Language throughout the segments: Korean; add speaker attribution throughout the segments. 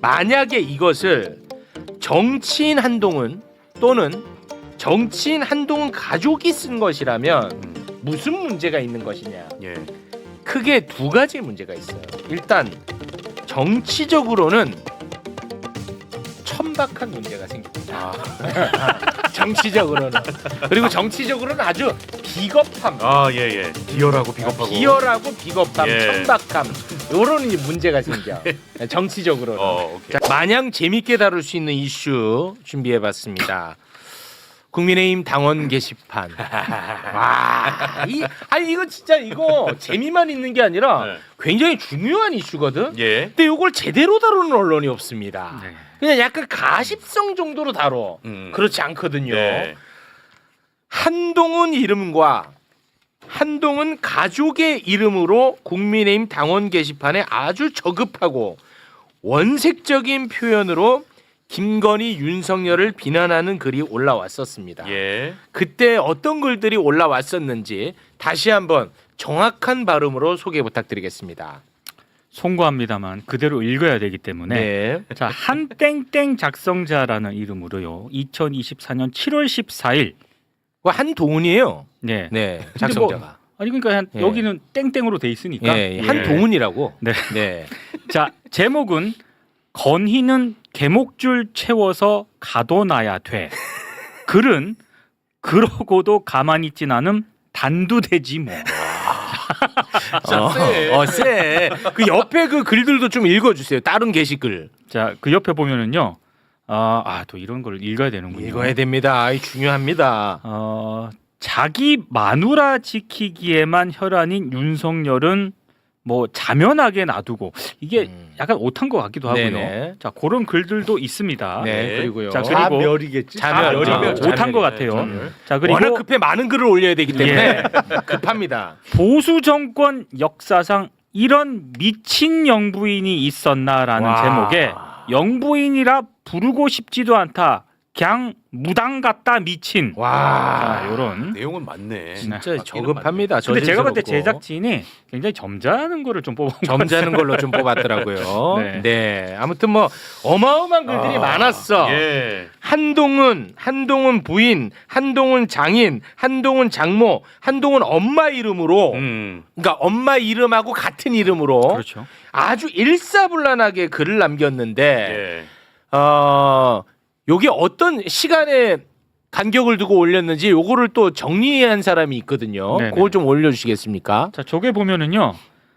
Speaker 1: 만약에 이것을 정치인 한동훈 또는 정치인 한동훈 가족이 쓴 것이라면 무슨 문제가 있는 것이냐?
Speaker 2: 예.
Speaker 1: 크게 두 가지 문제가 있어요. 일단 정치적으로는 천박한 문제가 생깁니다. 정치적으로는. 그리고 정치적으로는 아주 비겁함.
Speaker 2: 예. 비열하고 비겁하고.
Speaker 1: 비열하고 비겁함,
Speaker 2: 예.
Speaker 1: 천박함 이런 문제가 생겨. 정치적으로는.
Speaker 2: 오케이.
Speaker 1: 자, 마냥 재밌게 다룰 수 있는 이슈 준비해봤습니다. 국민의힘 당원 게시판. 와, 이거 진짜 이거 재미만 있는 게 아니라
Speaker 2: 네.
Speaker 1: 굉장히 중요한 이슈거든.
Speaker 2: 예.
Speaker 1: 근데 이걸 제대로 다루는 언론이 없습니다.
Speaker 3: 네.
Speaker 1: 그냥 약간 가십성 정도로 다뤄. 그렇지 않거든요.
Speaker 2: 네.
Speaker 1: 한동훈 이름과 한동훈 가족의 이름으로 국민의힘 당원 게시판에 아주 저급하고 원색적인 표현으로 김건희, 윤석열을 비난하는 글이 올라왔었습니다.
Speaker 2: 예.
Speaker 1: 그때 어떤 글들이 올라왔었는지 다시 한번 정확한 발음으로 소개 부탁드리겠습니다.
Speaker 3: 송구합니다만 그대로 읽어야 되기 때문에
Speaker 1: 네.
Speaker 3: 자, 한땡땡 작성자라는 이름으로요. 2024년 7월 14일
Speaker 1: 한동훈이에요.
Speaker 3: 네.
Speaker 1: 네.
Speaker 3: 근데
Speaker 1: 작성자가.
Speaker 3: 아니 그러니까
Speaker 1: 예.
Speaker 3: 여기는 땡땡으로 돼 있으니까.
Speaker 1: 예, 한동훈이라고.
Speaker 3: 네.
Speaker 1: 네.
Speaker 3: 자, 제목은 건희는 개목줄 채워서 가둬놔야 돼. 글은 그러고도 가만히 있진 않음 단두대지 뭐.
Speaker 1: 쎄. 그 옆에 그 글들도 좀 읽어주세요. 다른 게시글.
Speaker 3: 자, 그 옆에 보면은요. 또 이런 걸 읽어야 되는군요.
Speaker 1: 읽어야 됩니다. 중요합니다.
Speaker 3: 자기 마누라 지키기에만 혈안인 윤석열은 뭐 자면하게 놔두고 이게 약간 오탄 것 같기도 하고요.
Speaker 1: 네네.
Speaker 3: 자, 그런 글들도 있습니다.
Speaker 1: 네. 그리고요.
Speaker 3: 자, 그리고
Speaker 4: 자멸이겠지.
Speaker 1: 자멸이면
Speaker 3: 오탄 것 같아요.
Speaker 2: 자멸.
Speaker 3: 자, 그리고
Speaker 1: 워낙 급해 많은 글을 올려야 되기 때문에 급합니다.
Speaker 3: 보수 정권 역사상 이런 미친 영부인이 있었나라는
Speaker 1: 와.
Speaker 3: 제목에 영부인이라 부르고 싶지도 않다. 그냥 무당 같다 미친.
Speaker 1: 와.
Speaker 3: 자, 요런.
Speaker 2: 내용은 맞네.
Speaker 1: 진짜 저급합니다.
Speaker 3: 근데 제가 볼 때
Speaker 1: 저질스럽고.
Speaker 3: 제작진이 굉장히 점잖은 거를 좀 뽑은 것
Speaker 1: 점잖은 걸로 좀 뽑았더라고요.
Speaker 3: 네.
Speaker 1: 네. 아무튼 뭐 어마어마한 글들이 많았어.
Speaker 2: 예.
Speaker 1: 한동훈 부인, 한동훈 장인, 한동훈 장모, 한동훈 엄마 이름으로 그러니까 엄마 이름하고 같은 이름으로
Speaker 3: 그렇죠.
Speaker 1: 아주 일사불란하게 글을 남겼는데
Speaker 2: 예.
Speaker 1: 요게 어떤 시간에 간격을 두고 올렸는지 요거를 또 정리한 사람이 있거든요.
Speaker 3: 네네.
Speaker 1: 그걸 좀 올려주시겠습니까?
Speaker 3: 자, 저게 보면은요.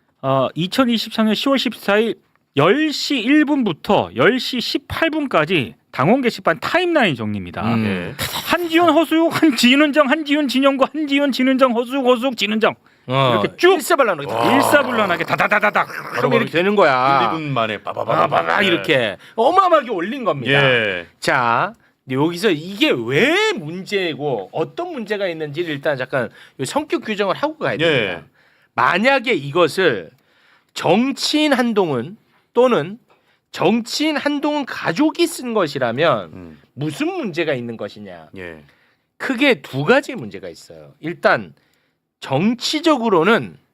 Speaker 3: 2023년 10월 14일 10시 1분부터 10시 18분까지 당원 게시판 타임라인 정리입니다.
Speaker 2: 예.
Speaker 3: 한지훈 허수욱 한지훈정 한지훈 진영구 한지훈 진은정 허수욱 진은정 이렇게 쭉 일사불란하게 다다다다닥
Speaker 1: 그럼 이렇게 되는 거야.
Speaker 2: 1, 2분 만에
Speaker 1: 빠바바바 이렇게 어마어마하게 올린 겁니다.
Speaker 2: 예.
Speaker 1: 자, 여기서 이게 왜 문제고 어떤 문제가 있는지를 일단 잠깐 성격 규정을 하고 가야 됩니다.
Speaker 2: 예.
Speaker 1: 만약에 이것을 정치인 한동훈 또는 정치인 한동훈 가족이 쓴 것이라면 무슨 문제가 있는 것이냐?
Speaker 2: 예.
Speaker 1: 크게 두 가지 문제가 있어요. 일단 정치적으로는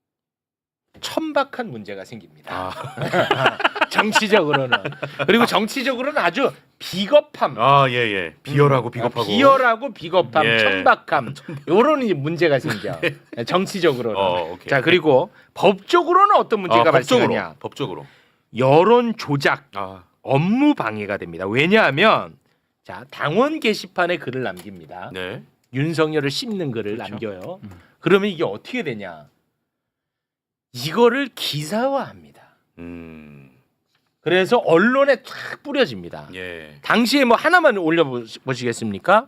Speaker 1: 천박한 문제가 생깁니다. 정치적으로는. 그리고 정치적으로는 아주 비겁함.
Speaker 2: 예. 비열하고 비겁하고.
Speaker 1: 비열하고 비겁함,
Speaker 2: 예.
Speaker 1: 천박함 이런 문제가 생겨. 정치적으로는.
Speaker 2: 오케이.
Speaker 1: 자, 그리고 법적으로는 어떤 문제가 발생하냐?
Speaker 2: 법적으로.
Speaker 1: 여론 조작,
Speaker 2: 아.
Speaker 1: 업무 방해가 됩니다. 왜냐하면 자, 당원 게시판에 글을 남깁니다.
Speaker 2: 네.
Speaker 1: 윤석열을 씹는 글을
Speaker 3: 그렇죠.
Speaker 1: 남겨요. 그러면 이게 어떻게 되냐? 이거를 기사화합니다. 그래서 언론에 탁 뿌려집니다.
Speaker 2: 예.
Speaker 1: 당시에 뭐 하나만 올려보시겠습니까?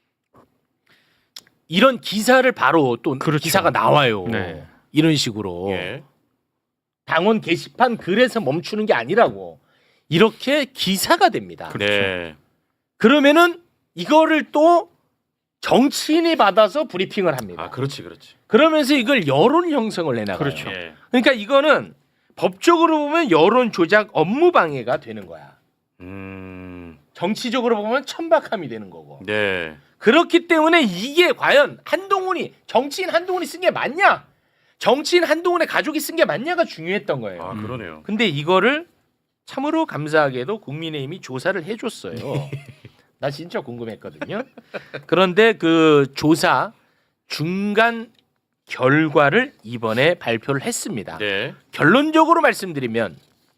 Speaker 1: 이런 기사를 바로 또
Speaker 3: 그렇죠.
Speaker 1: 기사가 나와요.
Speaker 3: 네.
Speaker 1: 이런 식으로
Speaker 2: 예.
Speaker 1: 당원 게시판 글에서 멈추는 게 아니라고 이렇게 기사가 됩니다.
Speaker 2: 네.
Speaker 1: 그러면은 이거를 또 정치인이 받아서 브리핑을 합니다.
Speaker 2: 그렇지.
Speaker 1: 그러면서 이걸 여론 형성을 해나가요.
Speaker 3: 그렇죠.
Speaker 2: 예.
Speaker 1: 그러니까 이거는 법적으로 보면 여론 조작 업무 방해가 되는 거야. 정치적으로 보면 천박함이 되는 거고.
Speaker 2: 네.
Speaker 1: 그렇기 때문에 이게 과연 정치인 한동훈이 쓴 게 맞냐? 정치인 한동훈의 가족이 쓴 게 맞냐가 중요했던 거예요.
Speaker 2: 그러네요.
Speaker 1: 근데 이거를 참으로 감사하게도 국민의힘이 조사를 해줬어요. 나 진짜 궁금했거든요. 그런데 그 조사 중간 결과를 이번에 발표를 했습니다.
Speaker 2: 네.
Speaker 1: 결론적으로 말씀드리면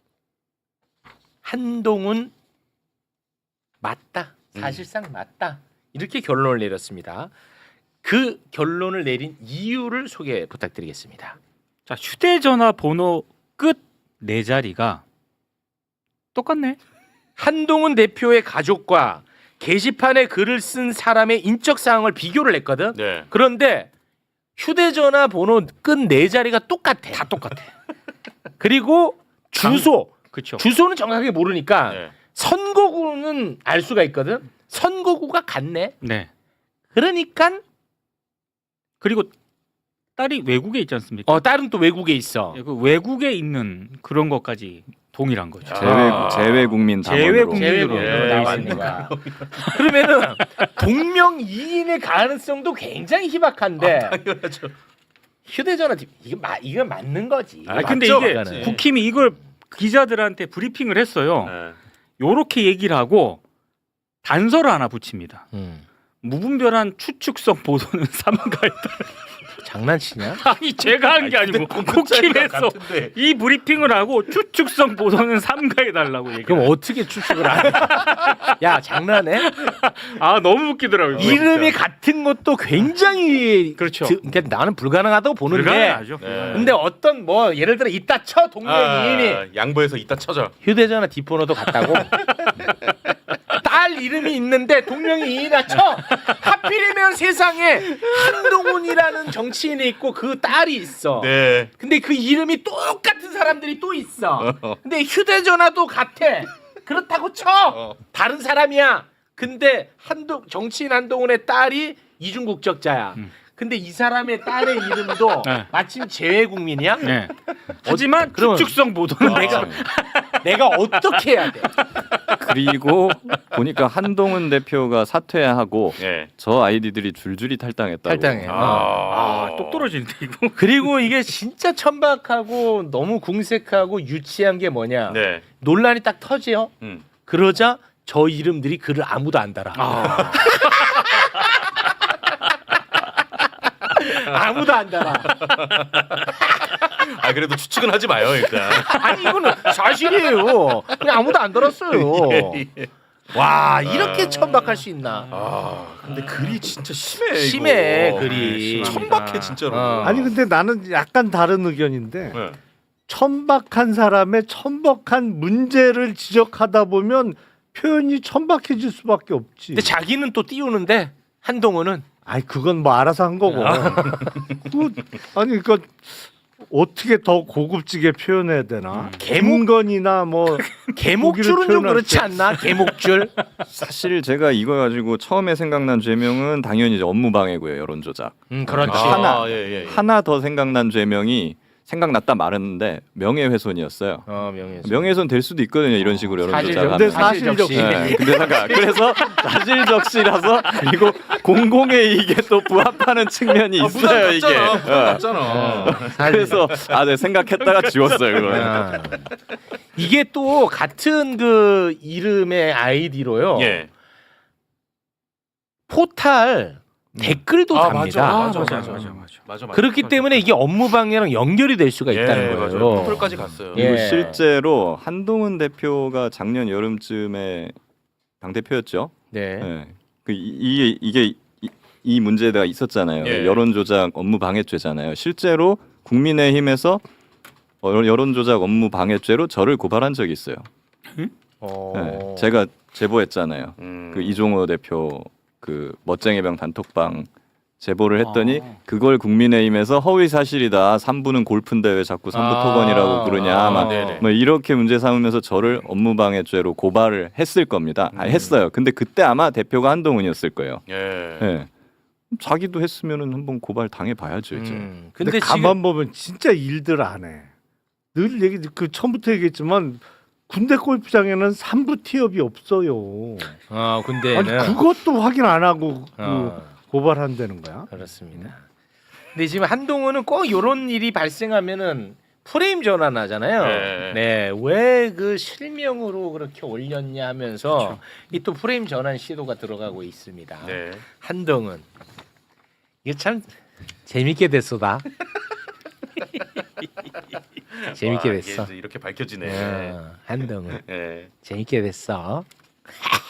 Speaker 1: 한동훈 맞다. 사실상 맞다. 이렇게 결론을 내렸습니다. 그 결론을 내린 이유를 소개 부탁드리겠습니다.
Speaker 3: 자, 휴대전화 번호 끝 네 자리가 똑같네.
Speaker 1: 한동훈 대표의 가족과 게시판에 글을 쓴 사람의 인적 사항을 비교를 했거든.
Speaker 2: 네.
Speaker 1: 그런데 휴대전화 번호 끝 네 자리가 똑같아.
Speaker 3: 다 똑같아.
Speaker 1: 그리고 주소.
Speaker 3: 그렇죠.
Speaker 1: 주소는 정확하게 모르니까
Speaker 2: 네.
Speaker 1: 선거구는 알 수가 있거든. 선거구가 같네.
Speaker 3: 네.
Speaker 1: 그러니까
Speaker 3: 그리고 딸이 외국에 있지 않습니까?
Speaker 1: 딸은 또 외국에 있어.
Speaker 3: 예, 그 외국에 있는 그런 것까지 동일한 거죠.
Speaker 4: 재외국민 담원으로.
Speaker 3: 재외국민으로
Speaker 1: 재외국민으로
Speaker 3: 네,
Speaker 1: 나와 있는 거야. 그러면은 동명이인의 가능성도 굉장히 희박한데 휴대전화 이거 맞는 거지.
Speaker 3: 아 근데
Speaker 2: 맞죠?
Speaker 3: 이게
Speaker 2: 맞지.
Speaker 3: 국힘이 이걸 기자들한테 브리핑을 했어요.
Speaker 2: 네.
Speaker 3: 요렇게 얘기를 하고 단서를 하나 붙입니다. 무분별한 추측성 보도는 삼가했다.
Speaker 1: 장난치냐?
Speaker 3: 아니 제가 한 게 아니고 국힘에서 이 브리핑을 하고 추측성 보도는 삼가해달라고 얘기.
Speaker 1: 그럼 어떻게 추측을 안 해? 야 장난해?
Speaker 3: 아 너무 웃기더라고요.
Speaker 1: 이름이 같은 것도 굉장히
Speaker 3: 그렇죠.
Speaker 1: 그러니까 나는 불가능하다고 보는데.
Speaker 3: 불가능하죠.
Speaker 2: 네.
Speaker 1: 근데 어떤 뭐 예를 들어 이따 쳐 동명이인이
Speaker 2: 양보해서 이따 쳐져.
Speaker 1: 휴대전화 뒷번호도 같다고. 딸 이름이 있는데 동명이인이라 쳐. 하필이면 세상에 한동훈이라는 정치인이 있고 그 딸이 있어.
Speaker 2: 네.
Speaker 1: 근데 그 이름이 똑같은 사람들이 또 있어. 근데 휴대전화도 같아. 그렇다고 쳐. 다른 사람이야. 근데 정치인 한동훈의 딸이 이중 국적자야. 근데 이 사람의 딸의 이름도
Speaker 3: 네.
Speaker 1: 마침 재외국민이야.
Speaker 3: 네. 하지만
Speaker 1: 그러면-
Speaker 3: 추측성 보도는
Speaker 1: 내가 어떻게 해야 돼?
Speaker 4: 그리고 보니까 한동훈 대표가 사퇴하고
Speaker 2: 네.
Speaker 4: 저 아이디들이 줄줄이 탈당했다고.
Speaker 1: 탈당해.
Speaker 3: 똑 떨어지는데 이거.
Speaker 1: 그리고 이게 진짜 천박하고 너무 궁색하고 유치한 게 뭐냐?
Speaker 2: 네.
Speaker 1: 논란이 딱 터지요.
Speaker 2: 음.
Speaker 1: 그러자 저 이름들이 글을 아무도 안 달아. 아무도 안 달아.
Speaker 2: 아 그래도 추측은 하지 마요 일단.
Speaker 1: 아니 이거는 사실이에요. 그냥 아무도 안 달았어요. 와 이렇게 천박할 수 있나?
Speaker 2: 아 근데 글이 진짜 심해.
Speaker 1: 심해,
Speaker 2: 이거.
Speaker 1: 글이.
Speaker 2: 천박해 진짜로.
Speaker 1: 아니,
Speaker 5: 근데 나는 약간 다른 의견인데
Speaker 2: 네.
Speaker 5: 천박한 사람의 천박한 문제를 지적하다 보면 표현이 천박해질 수밖에 없지.
Speaker 1: 근데 자기는 또 띄우는데 한동훈은
Speaker 5: 아이 그건 뭐 알아서 한 거고. 아니 그러니까 어떻게 더 고급지게 표현해야 되나? 개문건이나 뭐
Speaker 1: 개목줄은 좀
Speaker 5: 표현할
Speaker 1: 그렇지
Speaker 5: 때.
Speaker 1: 않나? 개목줄.
Speaker 4: 사실 제가 이거 가지고 처음에 생각난 죄명은 당연히 이제 업무방해고요, 여론조작.
Speaker 1: 그렇지.
Speaker 4: 하나.
Speaker 2: 예.
Speaker 4: 하나 더 생각난 죄명이 생각났다 말했는데 명예훼손이었어요.
Speaker 1: 명예훼손.
Speaker 4: 명예훼손 될 수도 있거든요, 이런 식으로 여론조작하면.
Speaker 5: 근데 사실적시.
Speaker 4: 네, 근데 잠깐 그래서 사실적시라서 그리고 공공의 이익에 또 부합하는 측면이 있어요 이게.
Speaker 2: 맞잖아.
Speaker 4: 그래서 네, 생각했다가 지웠어요 이거.
Speaker 1: 이게 또 같은 그 이름의 아이디로요.
Speaker 2: 예.
Speaker 1: 포탈 댓글도 답니다.
Speaker 2: 맞아.
Speaker 1: 그렇기 때문에 이게 업무 방해랑 연결이 될 수가 있다는 거예요.
Speaker 2: 맞아요. 포털까지 갔어요.
Speaker 1: 예.
Speaker 4: 그리고 실제로 한동훈 대표가 작년 여름쯤에 당 대표였죠.
Speaker 1: 네.
Speaker 4: 네. 이게 이 문제가 있었잖아요.
Speaker 2: 예.
Speaker 4: 여론조작 업무 방해죄잖아요. 실제로 국민의힘에서 여론조작 업무 방해죄로 저를 고발한 적이 있어요. 네. 제가 제보했잖아요. 그 이종호 대표 그 멋쟁이병 단톡방 제보를 했더니 그걸 국민의힘에서 허위 사실이다. 3부는 골프인데 왜 자꾸 3부 토건이라고 그러냐. 막
Speaker 2: 네네.
Speaker 4: 뭐 이렇게 문제 삼으면서 저를 업무방해죄로 고발을 했을 겁니다. 했어요. 근데 그때 아마 대표가 한동훈이었을 거예요.
Speaker 2: 예.
Speaker 4: 네. 자기도 했으면은 한번 고발 당해 봐야죠 이제.
Speaker 5: 근데
Speaker 1: 근데
Speaker 5: 가만 보면 진짜 일들 안 해. 늘 얘기 그 처음부터 얘기했지만 군대 골프장에는 3부 티업이 없어요.
Speaker 1: 군대는
Speaker 5: 아니 그것도 확인 안 하고 고발한다는 거야?
Speaker 1: 그렇습니다. 근데 지금 한동훈은 꼭 이런 일이 발생하면은 프레임 전환하잖아요.
Speaker 2: 네.
Speaker 1: 네, 왜 그 실명으로 그렇게 올렸냐 하면서 이 또 프레임 전환 시도가 들어가고 있습니다.
Speaker 2: 네.
Speaker 1: 한동은 이게 참 재밌게 됐어다. 재밌게
Speaker 2: 와,
Speaker 1: 됐어.
Speaker 2: 이게 이제 이렇게 밝혀지네.
Speaker 1: 한동은
Speaker 2: 네.
Speaker 1: 재밌게 됐어.